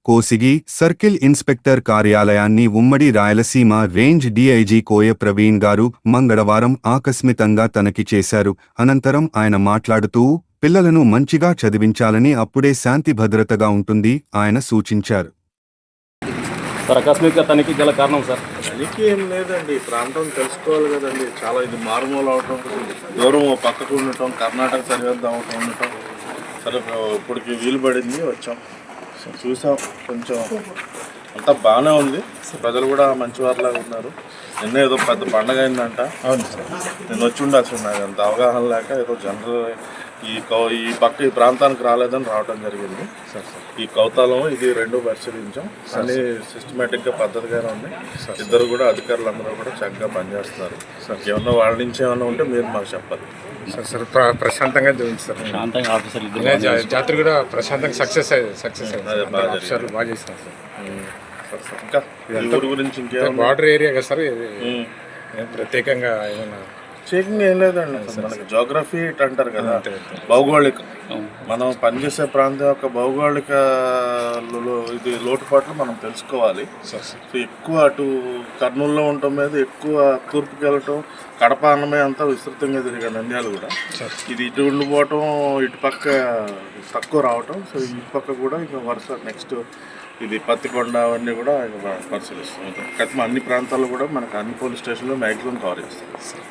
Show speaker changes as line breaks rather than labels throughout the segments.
Kosigi circle inspector కార్యాలయాన్ని ఉమ్మడి Rayalaseema range DIG Koya Praveen garu మంగళవారం ఆకస్మికంగా తనిఖీ చేశారు. అనంతరం ఆయన మాట్లాడుతూ పిల్లలను మంచిగా చదివించాలని, అప్పుడే శాంతి భద్రతగా ఉంటుంది ఆయన సూచించారు.
సార్ ఆకస్మిక తనిఖీ గల కారణం సార్?
తనిఖీ ఏం లేదండి, ఈ ప్రాంతం తెలుసుకోవాలి కదండి. చాలా ఇది మారుమూల అవటం, దూరం పక్కకు ఉండటం, కర్ణాటక సరిహద్దు అవటం ఉండటం, సరే ఇప్పటికి వీలు పడింది వచ్చాం, చూసాం. కొంచెం అంతా బాగానే ఉంది, ప్రజలు కూడా మంచివారిలాగా ఉన్నారు. నిన్న ఏదో పెద్ద పండగ అయిందంట. అవును సార్, నేను వచ్చి ఉండాల్సి నాకు అంత అవగాహన లేక ఏదో జనరల్ ఈ పక్క ఈ ప్రాంతానికి రాలేదని రావడం జరిగింది. ఈ కౌతాలం ఇది రెండు పరిశీలించాం, అన్ని సిస్టమేటిక్గా పద్ధతిగానే ఉన్నాయి. ఇద్దరు కూడా అధికారులందరూ కూడా చక్కగా పనిచేస్తున్నారు. ఏమన్నా వాళ్ళ నుంచి ఏమన్నా ఉంటే మీరు మాకు చెప్పాలి.
సార్ ప్రశాంతంగా చూపించారు, జాతర కూడా ప్రశాంతంగా సక్సెస్ బాగా చేస్తారు సార్.
ఇంకా ఊరి గురించి ఇంకేమన్నా?
బార్డర్ ఏరియా కదా సార్, ప్రత్యేకంగా ఏమన్నా
చెకింగ్ ఏం లేదండి. మనకి జోగ్రఫీ అంటారు కదా, భౌగోళిక, మనం పనిచేసే ప్రాంతం యొక్క భౌగోళిక ఇది లోటుపాట్లు మనం తెలుసుకోవాలి. సో ఎక్కువ అటు కర్నూలులో ఉండటం మీద ఎక్కువ తూర్పుకి వెళ్ళటం, కడప అన్నమే అంతా విస్తృతంగా తిరిగాడు నంద్యాల కూడా. ఇది ఇటు ఉండిపోవటం, ఇటు పక్క తక్కువ రావటం. సో ఇటు పక్క కూడా ఇక వరుస నెక్స్ట్ ఇది పత్తికొండ అవన్నీ కూడా పరిశీలిస్తాం. అన్ని ప్రాంతాల్లో కూడా మనకు అన్ని పోలీస్ స్టేషన్లో మ్యాక్సిమం కవర్ చేస్తాం.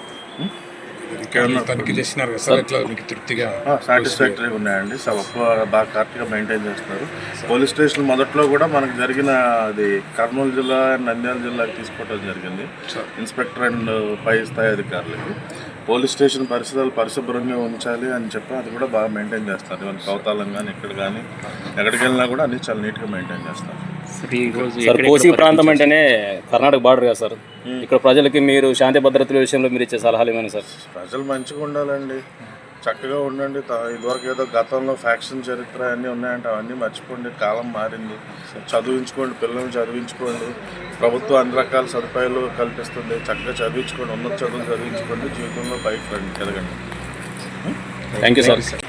తనిఖీ చేసినారు కదా సార్, ఎట్లా మీకు తృప్తిగా
సాటిస్ఫాక్టరీగా ఉన్నాయండి. బాగా కరెక్ట్గా మెయింటైన్ చేస్తున్నారు. పోలీస్ స్టేషన్ మొదట్లో కూడా మనకు జరిగిన అది కర్నూలు జిల్లా, నంద్యాల జిల్లాకి తీసుకోవడం జరిగింది. ఇన్స్పెక్టర్ అండ్ పై స్థాయి అధికారులకి పోలీస్ స్టేషన్ పరిసరాలు పరిశుభ్రంగా ఉంచాలి అని చెప్పి అది కూడా బాగా మెయింటైన్ చేస్తారు. ఇవన్నీ కౌతాలం కానీ ఇక్కడ కానీ ఎక్కడికి వెళ్ళినా కూడా అన్ని చాలా నీట్గా మెయింటైన్ చేస్తారు.
సార్ కోసి ప్రాంతం అంటేనే కర్ణాటక బార్డర్ కదా సార్, ఇక్కడ ప్రజలకి మీరు శాంతి భద్రతల విషయంలో మీరు ఇచ్చే సలహాలు ఏమైనా సార్?
ప్రజలు మంచిగా ఉండాలండి, చక్కగా ఉండండి. ఇదివరకు ఏదో గతంలో ఫ్యాక్షన్ చరిత్ర అన్నీ ఉన్నాయంటే అవన్నీ మర్చిపోండి. కాలం మారింది, చదివించుకోండి, పిల్లల్ని చదివించుకోండి. ప్రభుత్వం అన్ని రకాల సదుపాయాలు కల్పిస్తుంది. చక్కగా చదివించుకోండి, ఉన్నత చదువులు చదివించుకోండి, జీవితంలో బయట రండి, ఎదగండి.
Thank you sir.